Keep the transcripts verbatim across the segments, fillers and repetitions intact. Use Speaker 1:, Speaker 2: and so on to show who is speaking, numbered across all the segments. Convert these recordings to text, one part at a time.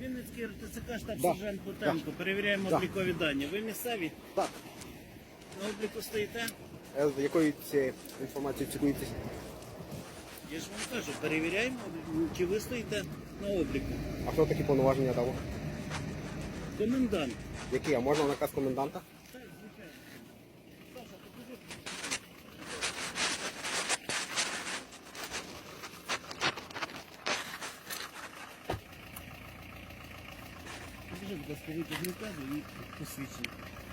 Speaker 1: Вінницький РТЦК, штаб
Speaker 2: Да.
Speaker 1: сержант Бутенко. Перевіряємо
Speaker 2: Да.
Speaker 1: облікові дані. Ви місцеві?
Speaker 2: Так.
Speaker 1: На обліку стоїте?
Speaker 2: Е, З якою цією інформацією цікуєтесь?
Speaker 1: Я ж вам кажу, перевіряємо, чи ви стоїте на обліку.
Speaker 2: А хто такі повноваження дав?
Speaker 1: Комендант.
Speaker 2: Які? А можна наказ коменданта?
Speaker 1: Так, звичайно. Саша, покажи. Покажи, будь ласка, витяг наказу і посвідчення.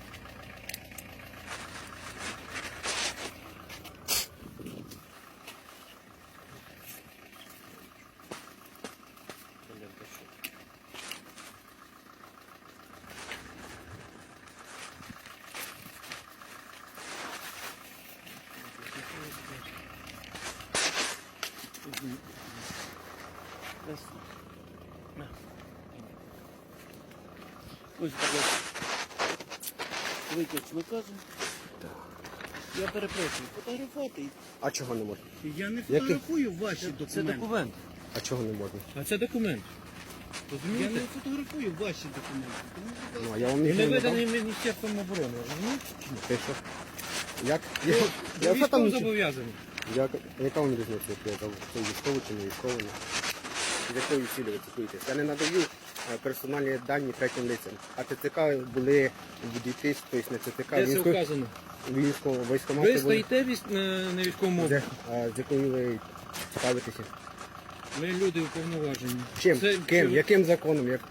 Speaker 1: Ось, будь ласка, витяг з наказу. Я перепрошую, фотографувати.
Speaker 2: А чого не можна?
Speaker 1: Я не
Speaker 2: Який?
Speaker 1: фотографую ваші документи.
Speaker 3: Це документ.
Speaker 2: А чого не можна?
Speaker 3: А це документ.
Speaker 1: Я
Speaker 3: Розумієте?
Speaker 1: не фотографую ваші документи. Тому, будь
Speaker 2: Ну,
Speaker 1: ласка,
Speaker 2: а я вам
Speaker 3: Він
Speaker 2: нічого
Speaker 3: не
Speaker 2: не дав.
Speaker 3: виданий Міністерством оборони, розумієте?
Speaker 2: Ти що? Як? Я, я,
Speaker 3: Я
Speaker 2: що там
Speaker 3: військово
Speaker 2: нічого?
Speaker 3: зобов'язаний.
Speaker 2: Я, яка вам різниця, як я дав? Це військовий чи не військовий? З якою цілі ви цікуєтесь? Я не надаю е, персональні дані третім лицям. А ТЦК були в дітей, тобто не ТЦК,
Speaker 3: Де це
Speaker 2: військові,
Speaker 3: вказано?
Speaker 2: військово,
Speaker 3: Ви
Speaker 2: військомати були.
Speaker 3: стоїте військ- на, на військовому
Speaker 2: Де,
Speaker 3: обліку.
Speaker 2: а, з якою ви цікавитеся?
Speaker 3: Ми люди уповноважені.
Speaker 2: Чим?
Speaker 3: Це-
Speaker 2: Ким?
Speaker 3: це-
Speaker 2: Яким законом? Як...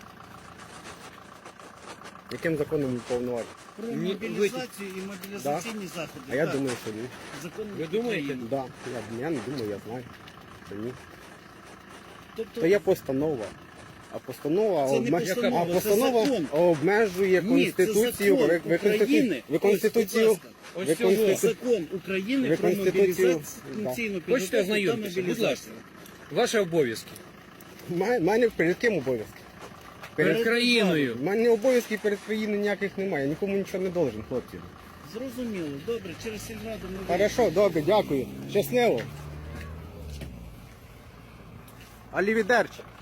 Speaker 2: Яким законом ви повноважені?
Speaker 1: про
Speaker 3: Ні,
Speaker 1: мобілізацію і мобілізаційні заходи.
Speaker 2: А я
Speaker 1: Так,
Speaker 2: думаю, що ні.
Speaker 1: закон
Speaker 3: Ви думаєте?
Speaker 1: України.
Speaker 2: Да. Я, я не думаю, я знаю. Що ні.
Speaker 1: Тобто,
Speaker 2: То є постанова. А постанова,
Speaker 1: Це не
Speaker 2: обме-
Speaker 1: постанова,
Speaker 2: а
Speaker 1: це
Speaker 2: постанова
Speaker 1: закон.
Speaker 2: обмежує
Speaker 1: Ні, це
Speaker 2: Конституцію.
Speaker 1: закон
Speaker 2: ви, ви,
Speaker 1: України.
Speaker 2: ви
Speaker 1: Ось,
Speaker 2: Конституцію.
Speaker 1: будь ласка.
Speaker 3: Ось
Speaker 2: ви
Speaker 3: цього.
Speaker 2: Конститу-
Speaker 1: Закон України
Speaker 2: Ви
Speaker 1: про
Speaker 2: Конституцію-
Speaker 1: мобілізаційну
Speaker 3: Хочете
Speaker 1: підготовку та
Speaker 3: ознайомитися? Будь
Speaker 1: мобілізацію.
Speaker 3: ласка. Ваші обов'язки.
Speaker 2: Ма- мене перед ким обов'язки?
Speaker 3: Перед
Speaker 1: Перед
Speaker 3: країною.
Speaker 2: У мене обов'язків перед країною ніяких немає. Я нікому нічого не должен, хлопці.
Speaker 1: Зрозуміло, добре, через сільраду ми
Speaker 2: Хорошо, добре, дякую. Щасливо. Алівідерчі.